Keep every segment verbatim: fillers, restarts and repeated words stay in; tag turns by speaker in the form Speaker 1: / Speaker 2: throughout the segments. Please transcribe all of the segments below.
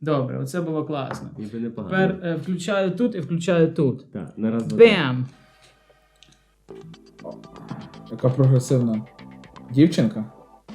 Speaker 1: Добре, оце було класно.
Speaker 2: Ніби непогано.
Speaker 1: Тепер е, включаю тут і включаю тут.
Speaker 2: Так, на раз, два,
Speaker 1: Бем!
Speaker 3: Яка прогресивна дівчинка.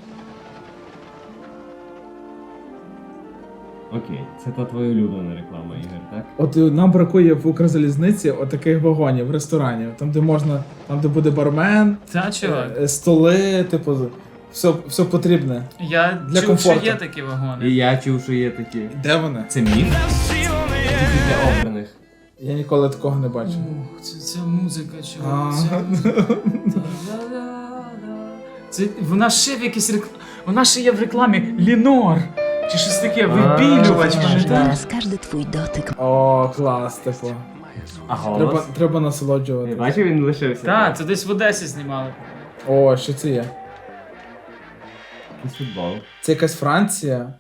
Speaker 2: Окей, це та твоя улюблена реклама, Ігор, так?
Speaker 3: От е, нам бракує в Укрзалізниці отаких вагонів, ресторанів, там де можна, там де буде бармен,
Speaker 1: Та, чувак.
Speaker 3: е, столи, типу, все, все потрібне.
Speaker 1: Я
Speaker 3: для
Speaker 1: чув,
Speaker 3: комфорту.
Speaker 1: що є такі вагони.
Speaker 2: І я чув, що є такі.
Speaker 3: Де вони?
Speaker 2: Це міф? Тільки для обраних.
Speaker 3: Я ніколи такого не бачив.
Speaker 1: Ух, це, це музика,
Speaker 3: А.
Speaker 1: чувак. Це... Та-да-да-да. Це... Вона ще в якійсь рекламі. Вона ще є в рекламі Лінор. Чи щось таке, вибілювач, пам'ятаєш?
Speaker 4: Зараз каждый твой дотик.
Speaker 3: О, клас, типу.
Speaker 2: А
Speaker 3: Треба,
Speaker 2: голос?
Speaker 3: треба
Speaker 2: Ти
Speaker 3: насолоджувати.
Speaker 2: бачив, він лишився?
Speaker 1: Так, це десь в Одесі знімали.
Speaker 3: О, що це є?
Speaker 2: Якийсь футбол.
Speaker 3: Це якась Франція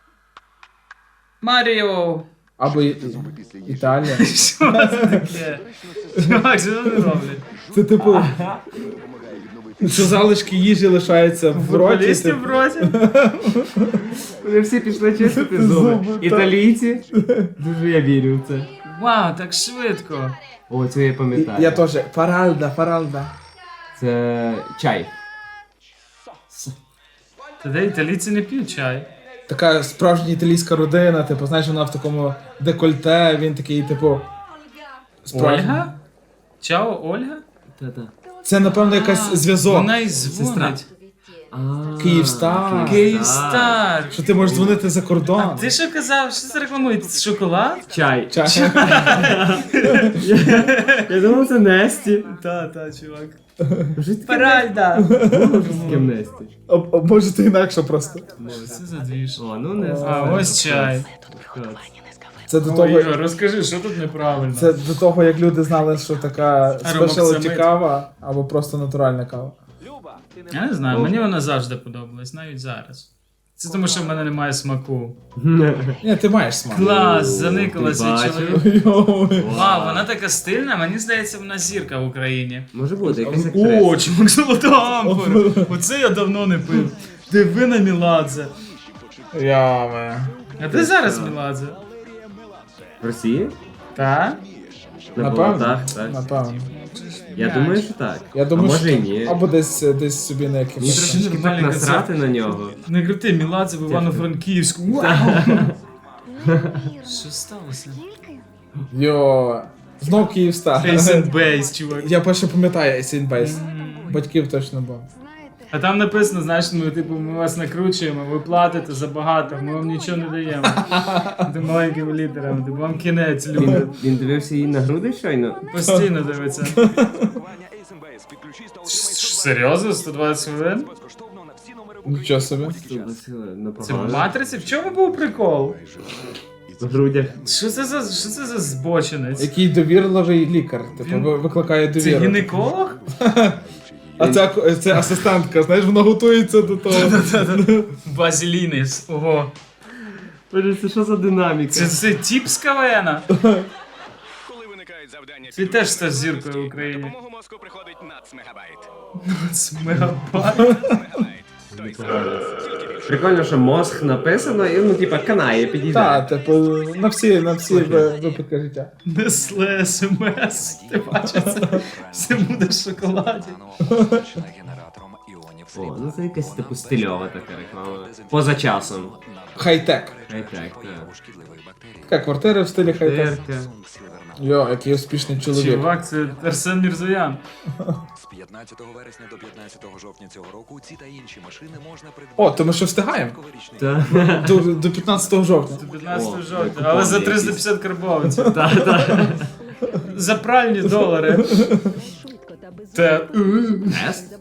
Speaker 1: Маріо!
Speaker 3: або І- Італія.
Speaker 1: Що це таке? Чувак, що вони роблять?
Speaker 3: Це типу. Що залишки їжі лишаються в роті.
Speaker 1: Футболістів
Speaker 3: типу.
Speaker 1: в роті?
Speaker 2: Вони всі пішли чистити зуби.
Speaker 3: Зуби, так.
Speaker 2: Італійці? Дуже я вірю в це.
Speaker 1: Вау, так швидко.
Speaker 2: О, це я пам'ятаю.
Speaker 3: Я теж. Фаральда, фаральда.
Speaker 2: Це чай.
Speaker 1: Тоді італійці не п'ють чай.
Speaker 3: Така справжня італійська родина, типу, знаєш, вона в такому декольте, він такий, типу. справжній.
Speaker 1: Ольга? Чао, Ольга?
Speaker 2: Та-та.
Speaker 3: Це, напевно, якась зв'язок.
Speaker 1: Вона й дзвонить.
Speaker 2: А,
Speaker 3: Київстар.
Speaker 1: Київстар.
Speaker 3: Що ти можеш дзвонити за кордон.
Speaker 1: А ти що казав, що це рекламують? Шоколад?
Speaker 2: Чай.
Speaker 3: Ча-
Speaker 2: Я думав, це Несті.
Speaker 1: Та, та, чувак.
Speaker 2: Вже таке
Speaker 1: Паральда.
Speaker 2: з ким Несті.
Speaker 3: А, а може ти інакше просто.
Speaker 1: Що це за двіж?
Speaker 2: О, ну не
Speaker 1: А,
Speaker 2: знаю.
Speaker 1: ось чай.
Speaker 3: Це до
Speaker 1: О,
Speaker 3: того,
Speaker 1: Ігор, розкажи, що тут неправильно?
Speaker 3: це до того, як люди знали, що така спешалті
Speaker 1: Аромаксамит.
Speaker 3: кава або просто натуральна кава.
Speaker 1: Я не знаю, мені вона завжди подобалась, навіть зараз. Це тому, що в мене немає смаку.
Speaker 3: Ні, ти маєш смак.
Speaker 1: Клас, заникала
Speaker 2: ти
Speaker 1: цей
Speaker 2: бачив?
Speaker 1: чоловік.
Speaker 3: Йой.
Speaker 1: Вау, вона така стильна, мені здається, вона зірка в Україні.
Speaker 2: Може бути, якась
Speaker 1: О,
Speaker 2: актриса.
Speaker 1: чувак, золота амфора. Оце я давно не пив. Диви на Міладзе.
Speaker 3: Яме.
Speaker 1: А ти зараз Міладзе?
Speaker 2: В Росії?
Speaker 1: Так?
Speaker 2: На
Speaker 3: Напевно.
Speaker 2: болотах, так.
Speaker 3: Напевно.
Speaker 2: Я думаю, що так.
Speaker 3: Я думаю,
Speaker 2: а може
Speaker 3: що...
Speaker 2: і ні.
Speaker 3: Або десь, десь собі на
Speaker 2: Мені
Speaker 3: якимось...
Speaker 2: трошечки так
Speaker 1: нормальний
Speaker 2: насрати на нього.
Speaker 1: Не крути, Міладзе в Івано-Франківську. Вау! Що сталося?
Speaker 3: Йо. Знов Київстар.
Speaker 1: Face and Base, чувак.
Speaker 3: Я перше пам'ятаю Ace Base. Батьків точно був.
Speaker 1: А там написано, знаєш, ми, типу, ми вас накручуємо, ви платите забагато, ми вам нічого не даємо. Ти маленькими літерами, типу, вам кінець, люди.
Speaker 2: Він, він дивився її на груди щойно?
Speaker 1: Постійно дивиться. Серйозно? сто двадцять хвилин?
Speaker 3: Нічого собі.
Speaker 1: Це в матриці? В чому був прикол?
Speaker 2: В грудях.
Speaker 1: Що це за, що це за збочинець?
Speaker 3: Який довірливий лікар, типу,
Speaker 1: Він-
Speaker 3: ви- викликає
Speaker 1: Це
Speaker 3: довіру.
Speaker 1: гінеколог?
Speaker 3: А це, це асистентка, знаєш, вона готується до того.
Speaker 1: Базілінис, ого.
Speaker 2: Боже, це що за динаміка?
Speaker 1: Це, це тіп з КВНа.
Speaker 5: Коли виникають завдання,
Speaker 1: Ти теж став зіркою в Україні.
Speaker 5: допомогу мозку приходить нацмегабайт.
Speaker 1: Це мегабайт.
Speaker 5: Мегабайт. Той самий.
Speaker 2: Прикольно, що мозг написано, і ну, типа, канає, підійде.
Speaker 3: Так, типу, на всі, на всі ви- випадки життя.
Speaker 1: Несле смс. Ти бачиш це? Все буде в шоколаді.
Speaker 2: О, ну це якась типу стильова така реклама. Поза часом.
Speaker 3: Хай-тек.
Speaker 2: Хай-тек, так.
Speaker 3: Така квартира в стилі хай-тек.
Speaker 2: Терка.
Speaker 3: Йо, який успішний чоловік.
Speaker 1: Чувак, це Арсен Мірзоян.
Speaker 6: З п'ятнадцятого вересня до п'ятнадцятого жовтня цього року ці та інші машини можна придбати.
Speaker 3: О, то ми що встигаємо?
Speaker 6: Новорічний
Speaker 2: Так.
Speaker 3: До, до п'ятнадцятого жовтня.
Speaker 1: Це п'ятнадцятого
Speaker 2: О,
Speaker 1: жовтня,
Speaker 2: купон
Speaker 1: але за
Speaker 2: якийсь.
Speaker 1: триста п'ятдесят карбованців.
Speaker 2: Так, так.
Speaker 1: За пральні долари. Те.
Speaker 2: Тест?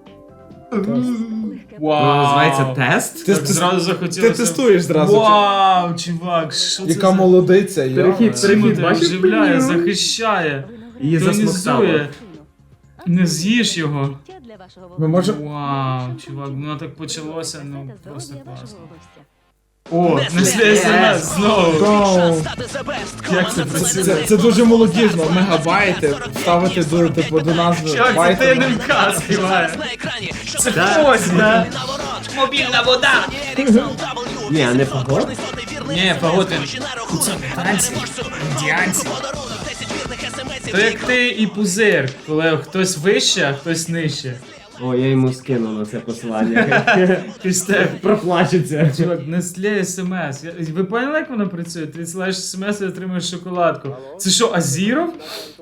Speaker 1: Вау.
Speaker 2: Воно називається тест?
Speaker 3: Ти,
Speaker 1: Так
Speaker 3: ти,
Speaker 1: зразу
Speaker 3: ти
Speaker 1: захотілося.
Speaker 3: тестуєш зразу. чи-
Speaker 1: Вау, чувак, що це
Speaker 3: Яка
Speaker 1: за...
Speaker 3: молодиця, йо.
Speaker 2: Перехід, перехід.
Speaker 1: Тимоте
Speaker 2: бачиш,
Speaker 1: оживляє,
Speaker 2: пеню?
Speaker 1: захищає,
Speaker 2: Її засмоктало.
Speaker 1: тонізує. Не з'їж його.
Speaker 3: Ми можемо...
Speaker 1: Вау, чувак, воно так почалося, ну просто класно. О, Несле СМС знову.
Speaker 3: Вау.
Speaker 1: Як це
Speaker 3: Це,
Speaker 1: працює?
Speaker 3: це, це дуже молодіжно, мегабайти, ставити до, типу, до назви
Speaker 1: Чувак, це
Speaker 3: байти.
Speaker 1: ти НМК співає. Це хтось, да? Мобільна вода.
Speaker 2: Ні, а не погодь?
Speaker 1: Ні, погоди. Танці, індіанці. То як ти і пузир, коли хтось вище, а хтось нижче.
Speaker 2: О, я йому скинув на це посилання.
Speaker 1: Після
Speaker 2: Проплачеться.
Speaker 1: Чувак, Nestlé смс. Я- Ви поняли, як воно працює? Ти відсилаєш смс і отримуєш шоколадку. Це що, Азіров?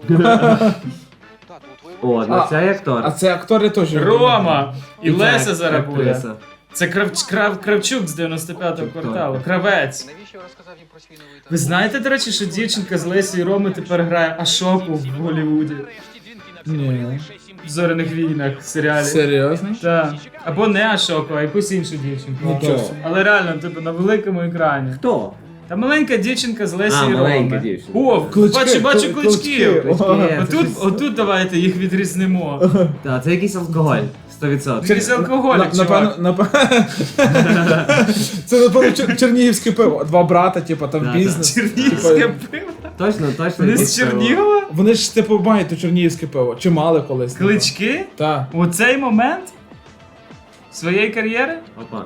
Speaker 2: О, ну
Speaker 3: А,
Speaker 2: це як актор.
Speaker 3: А це актори теж.
Speaker 1: Рома! І
Speaker 2: це
Speaker 1: Леся
Speaker 2: ак-
Speaker 1: зараз буде.
Speaker 2: актриса.
Speaker 1: Це Крав... Крав... Кравчук з дев'яносто п'ятого кварталу. Кравець. Ви знаєте, до речі, що дівчинка з Лесі і Роми тепер грає Ашоку в Голлівуді?
Speaker 3: Ні.
Speaker 1: В «Зоряних війнах» в серіалі.
Speaker 3: Серйозно?
Speaker 1: Так. Або не Ашоку, а якусь іншу дівчинку.
Speaker 3: Нічого собі.
Speaker 1: Але реально, типу, на великому екрані.
Speaker 2: Хто?
Speaker 1: Та маленька дівчинка з Лесі
Speaker 2: А,
Speaker 1: і Роми.
Speaker 2: маленька дівчинка.
Speaker 1: О,
Speaker 3: Клички,
Speaker 1: бачу, бачу
Speaker 3: кли-
Speaker 1: кличків.
Speaker 3: клички.
Speaker 2: Клички.
Speaker 1: Отут, отут давайте їх відрізнимо.
Speaker 2: Так, це якийсь алкоголь. сто відсотків.
Speaker 1: Якийсь алкоголік,
Speaker 3: На- Напевно,
Speaker 1: чувак.
Speaker 3: напевно. Це напевно чер- чернігівське пиво. Два брата, типу, там
Speaker 2: Да,
Speaker 3: бізнес.
Speaker 1: Чернігівське
Speaker 3: Типу,
Speaker 1: пиво.
Speaker 2: Точно, точно.
Speaker 1: Вони
Speaker 2: якийсь
Speaker 1: з
Speaker 2: пиво.
Speaker 1: Чернігова?
Speaker 3: Вони ж типу мають то чернігівське пиво. Чи мали колись?
Speaker 1: Клички?
Speaker 3: Так.
Speaker 1: У цей момент своєї кар'єри?
Speaker 2: Опа.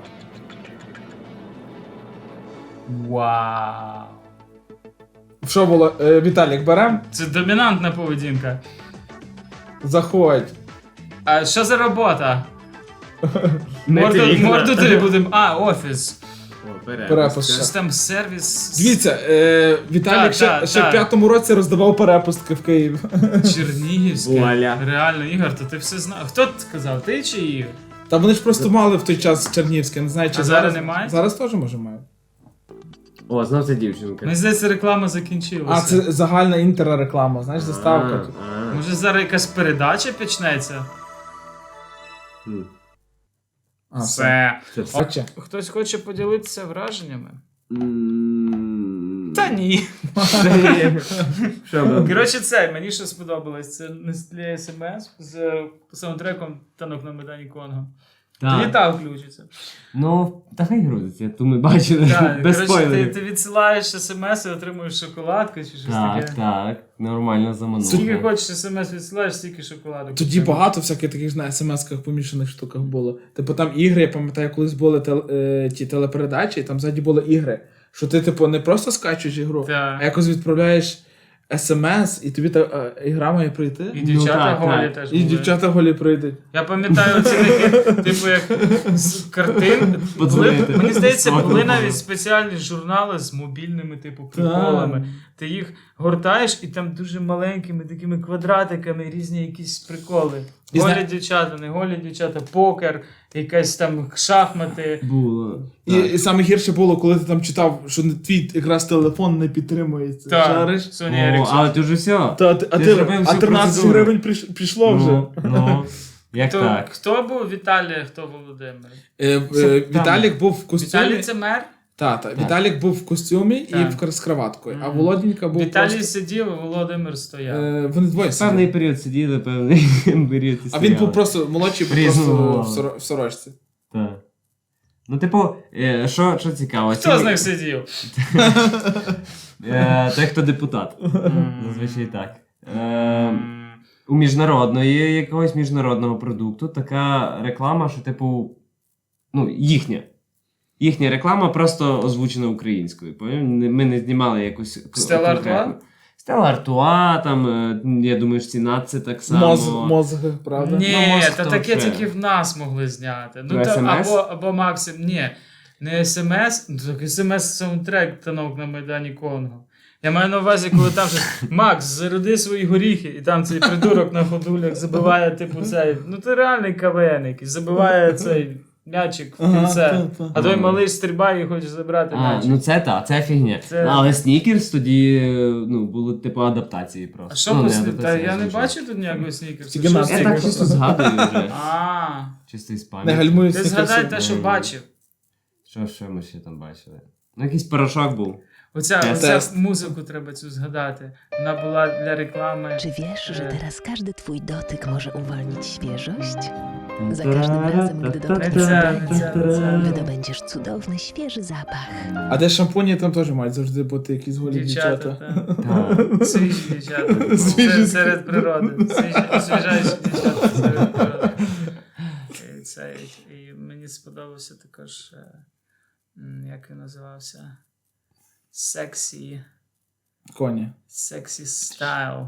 Speaker 1: Вау.
Speaker 3: Що було? Е, Віталік, берем?
Speaker 1: Це домінантна поведінка.
Speaker 3: Заходь.
Speaker 1: А що за робота?
Speaker 2: Не
Speaker 1: Морду,
Speaker 2: вікна.
Speaker 1: морду ти будемо. А, офіс.
Speaker 2: О, перепис.
Speaker 3: Перепис.
Speaker 1: Щось там сервіс.
Speaker 3: Дивіться, е, Віталік
Speaker 1: Так,
Speaker 3: ще,
Speaker 1: так,
Speaker 3: ще в
Speaker 1: так.
Speaker 3: п'ятому році роздавав перепустки в Києві.
Speaker 1: Чернігівське.
Speaker 2: Вуаля.
Speaker 1: Реально, Ігор, то ти все знав. Хто це сказав? Ти чи Ігор?
Speaker 3: Та вони ж просто мали в той час чернігівське, не знаю, чи
Speaker 1: А зараз немає?
Speaker 3: Зараз теж може мають.
Speaker 2: О, знов це дівчинка.
Speaker 1: Мені здається, реклама закінчилася.
Speaker 3: А, це загальна інтерреклама, знаєш, заставка.
Speaker 2: А, а.
Speaker 1: Може зараз якась передача почнеться?
Speaker 2: Хм.
Speaker 3: А, все.
Speaker 1: Все.
Speaker 2: Це все.
Speaker 3: Бачите?
Speaker 1: Хтось хоче поділитися враженнями?
Speaker 2: М.
Speaker 1: Та ні.
Speaker 2: Що було?
Speaker 1: Коротше, це, мені що сподобалось, це Nestlé ес ем ес з саундтреком «Танок на Майдані Конго».
Speaker 2: Так.
Speaker 1: Літа включиться.
Speaker 2: Ну, та хай грузиться, ту ми бачили.
Speaker 1: Так,
Speaker 2: Без
Speaker 1: коротше, ти,
Speaker 2: спойлерів.
Speaker 1: ти відсилаєш смс і отримуєш шоколадку чи щось
Speaker 2: Так,
Speaker 1: таке.
Speaker 2: так, нормально замануло.
Speaker 1: Скільки хочеш смс відсилаєш, стільки шоколадок.
Speaker 3: Тоді багато всяких таких на смс-ках помішаних штуках було. Типу там ігри, я пам'ятаю, колись були тел, е, ті телепередачі, і там ззаді були ігри. Що ти, типу, не просто скачуєш ігру,
Speaker 1: Так.
Speaker 3: а якось відправляєш смс, і тобі та е, ігра має прийти.
Speaker 1: І дівчата
Speaker 2: так,
Speaker 1: голі
Speaker 2: так.
Speaker 1: теж
Speaker 3: І
Speaker 1: були.
Speaker 3: дівчата голі прийдуть.
Speaker 1: Я пам'ятаю ці такі, типу, як з картин. Були,
Speaker 2: Подзвонити.
Speaker 1: мені здається, були
Speaker 2: Сфотку.
Speaker 1: навіть спеціальні журнали з мобільними, типу, приколами. Ти їх гортаєш, і там дуже маленькими такими квадратиками різні якісь приколи.
Speaker 3: І
Speaker 1: Голі
Speaker 3: зна-
Speaker 1: дівчата, не голі дівчата, покер, якась там шахмати.
Speaker 2: Було.
Speaker 3: І,
Speaker 2: Так.
Speaker 3: і саме гірше було, коли ти там читав, що не- твій якраз телефон не підтримується.
Speaker 1: Так,
Speaker 3: Жариш?
Speaker 1: Соня
Speaker 2: О,
Speaker 1: Еріксон.
Speaker 2: але ти вже все.
Speaker 3: Та, а ти, а
Speaker 2: Ти
Speaker 3: ти,
Speaker 2: зробив
Speaker 3: а
Speaker 2: всю
Speaker 3: тринадцять
Speaker 2: процедуру.
Speaker 3: гривень приш- пішло вже.
Speaker 2: Ну, ну, як
Speaker 1: Хто,
Speaker 2: так?
Speaker 1: хто був Віталій, хто Володимир?
Speaker 3: Е, е, Віталік був в костюмі.
Speaker 1: Віталій це мер?
Speaker 3: Та, та. Віталік був в костюмі і
Speaker 1: Так.
Speaker 3: в кар- з краваткою, а
Speaker 1: Мгм.
Speaker 3: Володінька був
Speaker 1: Віталій
Speaker 3: просто...
Speaker 1: сидів, а Володимир стояв.
Speaker 3: Е, вони двоє
Speaker 2: Певний
Speaker 3: сиділи.
Speaker 2: період сиділи, певний період і
Speaker 3: А він був
Speaker 2: стояли.
Speaker 3: просто молодший, був
Speaker 2: Різного
Speaker 3: просто
Speaker 2: мало.
Speaker 3: в, соро- в сорочці.
Speaker 2: Так. Ну, типу, е, що, що цікаво?
Speaker 1: Хто
Speaker 2: ці-
Speaker 1: з них сидів?
Speaker 2: Е, той, хто депутат. Зазвичай так. Е, у міжнародної якогось міжнародного продукту така реклама, що, типу, ну, їхня. Їхня реклама просто озвучена українською. поняв? Не- Ми не знімали якусь к-
Speaker 1: Стелла
Speaker 2: конкретну.
Speaker 1: Артуа?
Speaker 2: Стелла Артуа, там, е, я думаю, що ціна це так само.
Speaker 3: Моз, мозги, правда?
Speaker 1: Ні,
Speaker 2: Ну, може,
Speaker 1: та
Speaker 2: хто
Speaker 1: таке
Speaker 2: ще?
Speaker 1: тільки в нас могли зняти. Ну,
Speaker 2: Ну,
Speaker 1: та,
Speaker 2: ес ем ес?
Speaker 1: або, або Максим, ні, не смс, ну, так смс саундтрек «Танок на Майдані Конго». Я маю на увазі, коли там же Макс, заряди свої горіхи, і там цей придурок на ходулях забиває, типу, цей, ну ти реальний КВН якийсь, забиває цей м'ячик в
Speaker 3: Ага,
Speaker 1: кільце,
Speaker 3: та, та.
Speaker 1: а той малий стрибає і хоче забрати
Speaker 2: А,
Speaker 1: м'ячик.
Speaker 2: ну це та, це фігня.
Speaker 1: Це-
Speaker 2: Але Снікерс тоді, е, ну, були типу адаптації просто.
Speaker 1: А що
Speaker 2: ну,
Speaker 1: по
Speaker 2: не
Speaker 1: сні- Та
Speaker 2: адаптації,
Speaker 1: я не
Speaker 2: звичайно.
Speaker 1: бачу тут ніякого снікерсу.
Speaker 3: Тільки
Speaker 1: Що
Speaker 3: нас.
Speaker 2: Я так
Speaker 1: снікерс?
Speaker 2: чисто згадую вже.
Speaker 1: А,
Speaker 2: Чисто із
Speaker 3: Не
Speaker 2: пам'яті.
Speaker 3: гальмують
Speaker 1: ти згадай те, що бачив.
Speaker 2: Що, що ми ще там бачили? Ну, якийсь порошок був.
Speaker 1: Оця,
Speaker 2: Тест.
Speaker 1: оця музику треба цю згадати. Вона була для реклами.
Speaker 4: Czy wiesz, że
Speaker 1: E.
Speaker 4: teraz każdy twój dotyk może uwolnić świeżość? Za każdym razem, gdy dotkniesz
Speaker 1: Ця,
Speaker 4: ręce,
Speaker 1: ця, ця.
Speaker 4: wydobędziesz cudowny, świeży zapach.
Speaker 3: А де шампуні, там теж мають завжди бути якісь голі
Speaker 1: Дівчата,
Speaker 3: дівчата.
Speaker 1: та.
Speaker 2: Так.
Speaker 1: Свіжі дівчата.
Speaker 3: Свіжі.
Speaker 1: Це серед природи. Свіжі, освіжаючі дівчата серед природи. І, це, і мені сподобався також, е, м, як він називався? Sexy.
Speaker 3: Коні.
Speaker 1: Sexy style.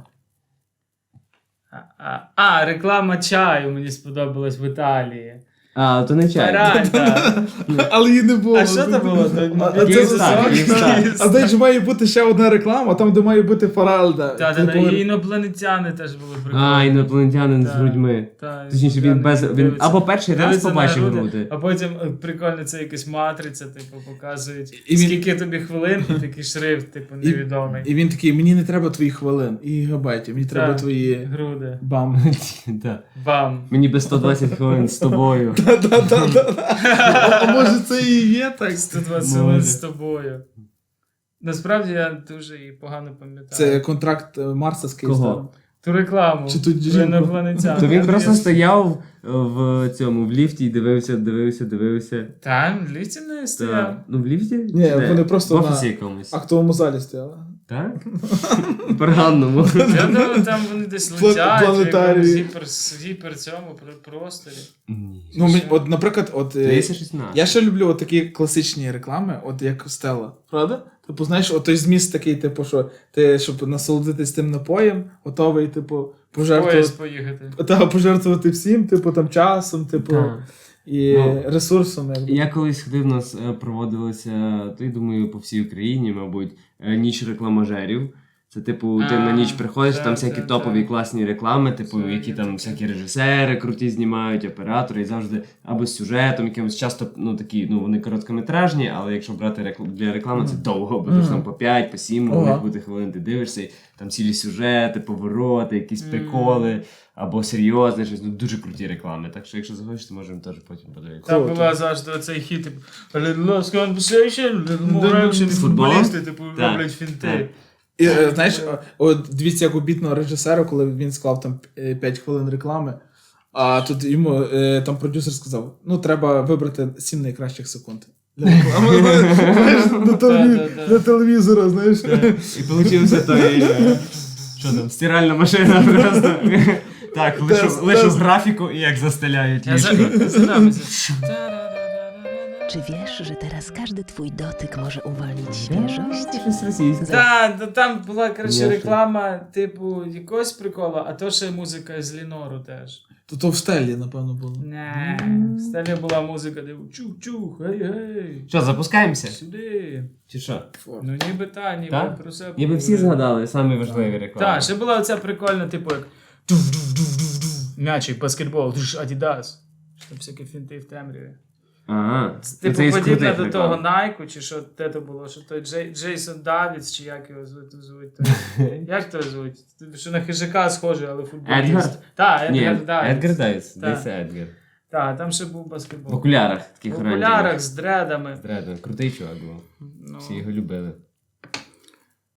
Speaker 1: А, а, а, реклама чаю мені сподобалась в Італії.
Speaker 2: А, то не чай.
Speaker 1: Феральда.
Speaker 3: Але її не було.
Speaker 1: А що це було?
Speaker 3: А, а це
Speaker 2: Київстар, Київстар.
Speaker 3: А знаєш, має бути ще одна реклама, там де має бути Фаральда.
Speaker 1: Та, та, та,
Speaker 3: Типу,
Speaker 1: і інопланетяни теж були прикольні.
Speaker 2: А, інопланетянин з
Speaker 1: Так.
Speaker 2: грудьми.
Speaker 1: Та,
Speaker 2: Точніше, він без. Він
Speaker 1: дивиться-
Speaker 2: або перший раз
Speaker 1: дивиться на
Speaker 2: побачив
Speaker 1: груди,
Speaker 2: груди.
Speaker 1: А потім е, прикольно, це якась матриця, типу, показують,
Speaker 3: І він-
Speaker 1: скільки тобі хвилин, і такий шрифт, типу,
Speaker 3: І-
Speaker 1: невідомий.
Speaker 3: І він такий, мені не треба твоїх хвилин і гігабайтів, мені треба
Speaker 1: Так.
Speaker 3: твої
Speaker 1: Груди.
Speaker 3: бам.
Speaker 2: Так.
Speaker 1: Бам.
Speaker 2: Мені би сто двадцять хвилин з тобою.
Speaker 3: Та-та-та-та. А може це і є так?
Speaker 1: сто двадцять
Speaker 2: Може.
Speaker 1: хвилин з тобою. Насправді я дуже її погано пам'ятаю.
Speaker 3: Це контракт е, Марса з Київстаром.
Speaker 1: Ту рекламу.
Speaker 3: Чи тут
Speaker 1: про
Speaker 3: жінку?
Speaker 1: інопланетян.
Speaker 2: То він
Speaker 1: Я-
Speaker 2: просто
Speaker 1: я-
Speaker 2: стояв е, в цьому, в ліфті і дивився, дивився, дивився.
Speaker 1: Там, в ліфті не стояв.
Speaker 2: Та, ну в ліфті?
Speaker 3: Ні,
Speaker 2: Де?
Speaker 3: вони просто
Speaker 2: в
Speaker 3: на
Speaker 2: офісі якомусь.
Speaker 3: актовому залі стояли.
Speaker 2: Так? Органному.
Speaker 1: Я думаю, там вони десь
Speaker 3: Пла-
Speaker 1: летять в
Speaker 3: планетарії.
Speaker 1: якомусь гіпер, гіпер цьому про- просторі.
Speaker 2: Ні.
Speaker 3: Ну, мені- от, наприклад, от е,
Speaker 2: тридцять шістнадцять.
Speaker 3: я ще люблю от такі класичні реклами, от як Стелла, правда? Типу, знаєш, от той зміст такий, типу, що ти, щоб насолодитись тим напоєм, готовий, типу,
Speaker 1: Поїзд
Speaker 3: пожертвувати,
Speaker 1: поїхати.
Speaker 3: та, пожертвувати всім, типу, там часом, типу,
Speaker 2: Так.
Speaker 3: і
Speaker 2: Ну,
Speaker 3: ресурсом. Якби.
Speaker 2: Я колись ходив, у нас е, проводилося, то й думаю, по всій Україні, мабуть, е, ніч рекламажерів. Це, типу, ти
Speaker 1: А,
Speaker 2: на ніч приходиш,
Speaker 1: так,
Speaker 2: там всякі
Speaker 1: так,
Speaker 2: топові
Speaker 1: так.
Speaker 2: класні реклами, типу,
Speaker 1: Це
Speaker 2: які
Speaker 1: є
Speaker 2: там
Speaker 1: таке.
Speaker 2: всякі режисери круті знімають, оператори, і завжди або з сюжетом, якимось часто, ну такі, ну вони короткометражні, але якщо брати рекл- для реклами, це довго, бо
Speaker 3: Мгм.
Speaker 2: ж там по п'ять, по сім,
Speaker 3: Ага.
Speaker 2: може бути хвилин, ти дивишся, і там цілі сюжети, повороти, якісь
Speaker 1: Мгм.
Speaker 2: приколи, або серйозне щось, ну дуже круті реклами. Так що, якщо захочеш, то можемо теж потім подивитися.
Speaker 1: Там
Speaker 3: Круто.
Speaker 1: була завжди оцей хіт, типу, a little lost conversation, a little more action, і
Speaker 2: Футбол?
Speaker 1: футболісти, типу,
Speaker 2: Так,
Speaker 1: роблять фінти.
Speaker 2: так.
Speaker 3: І, е, знаєш, е, от дивіться, як у бітного режисера, коли він склав там п'ять хвилин реклами, а тут йому е, там продюсер сказав: ну, треба вибрати сім найкращих секунд. Для реклами, знаєш, на, телеві...
Speaker 1: Да-да-да.
Speaker 3: для телевізора, знаєш.
Speaker 2: І получився той. е, Що там, стиральна машина просто. Так, лишу,
Speaker 3: Тест,
Speaker 2: лишу
Speaker 3: тест.
Speaker 2: графіку і як застеляють
Speaker 1: Я за-
Speaker 2: ліжко.
Speaker 1: задамся.
Speaker 4: Czy wiesz, że teraz każdy twój dotyk może uwolnić świeżość?
Speaker 2: Щось російське.
Speaker 1: Та, та там була, коротше,
Speaker 2: Ясно.
Speaker 1: реклама, типу, якогось приколу, а то ще музика з Лінору теж.
Speaker 3: То то в стелі, напевно, було.
Speaker 1: Не, в стелі була музика, де чух-чух, гей-гей,
Speaker 2: Що, запускаємося?
Speaker 1: сюди.
Speaker 2: Чи що?
Speaker 1: Ну ніби та, ніби
Speaker 2: Так?
Speaker 1: про себе.
Speaker 2: Ніби всі
Speaker 1: поговорили.
Speaker 2: згадали самі важливі реклами.
Speaker 1: Так, ще була оця прикольна, типу, як туф-дуф-дуф-дуф-дуф, м'ячик, баскетбол, туш, Адідас. Що там всякі фінти в темряві.
Speaker 2: Ага.
Speaker 1: Типу,
Speaker 2: Це із
Speaker 1: подібне
Speaker 2: крутих
Speaker 1: до
Speaker 2: реклам.
Speaker 1: того Найку, чи що те то було, що той Джей, Джейсон Давідс, чи як його звуть, звуть той, як то звуть? Що на хижака схожий, але футболіст.
Speaker 2: Едгар?
Speaker 1: Так,
Speaker 2: Ні,
Speaker 1: Едгар Давідс.
Speaker 2: Едгар Дайс.
Speaker 1: Так.
Speaker 2: Десь Едгар.
Speaker 1: Так, там ще був
Speaker 2: В
Speaker 1: баскетбол.
Speaker 2: окулярах
Speaker 1: В
Speaker 2: таких
Speaker 1: окулярах
Speaker 2: оранжевих.
Speaker 1: з дредами.
Speaker 2: Здрада, крутий чувак був.
Speaker 1: Ну,
Speaker 2: Всі його любили.